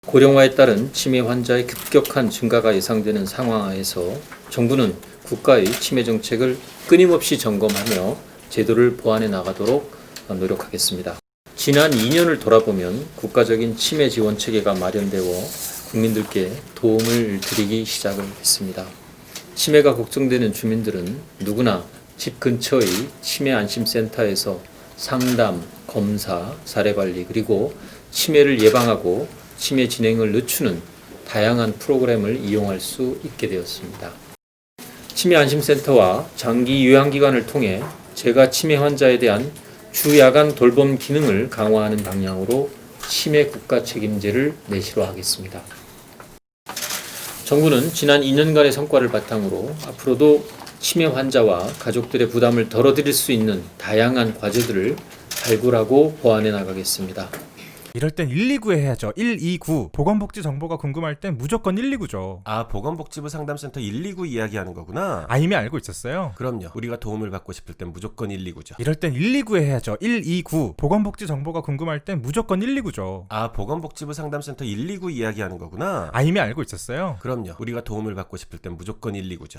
고령화에 따른 치매 환자의 급격한 증가가 예상되는 상황하에서 정부는 국가의 치매 정책을 끊임없이 점검하며 제도를 보완해 나가도록 노력하겠습니다. 지난 2년을 돌아보면 국가적인 치매 지원 체계가 마련되어 국민들께 도움을 드리기 시작을 했습니다. 치매가 걱정되는 주민들은 누구나 집 근처의 치매 안심센터에서 상담, 검사, 사례관리 그리고 치매를 예방하고 치매 진행을 늦추는 다양한 프로그램을 이용할 수 있게 되었습니다. 치매 안심센터와 장기 요양기관을 통해 제가 치매 환자에 대한 주야간 돌봄 기능을 강화하는 방향으로 치매 국가 책임제를 내실화하겠습니다. 정부는 지난 2년간의 성과를 바탕으로 앞으로도 치매 환자와 가족들의 부담을 덜어드릴 수 있는 다양한 과제들을 발굴하고 보완해 나가겠습니다. 이럴 땐 129에 해야죠. 129. 보건복지 정보가 궁금할 땐 무조건 129죠. 아, 보건복지부 상담센터 129 이야기하는 거구나. 아, 이미 알고 있었어요? 그럼요. 우리가 도움을 받고 싶을 땐 무조건 129죠. 이럴 땐 129에 해야죠. 129. 보건복지 정보가 궁금할 땐 무조건 129죠. 아, 보건복지부 상담센터 129 이야기하는 거구나. 아, 이미 알고 있었어요? 그럼요. 우리가 도움을 받고 싶을 땐 무조건 129죠.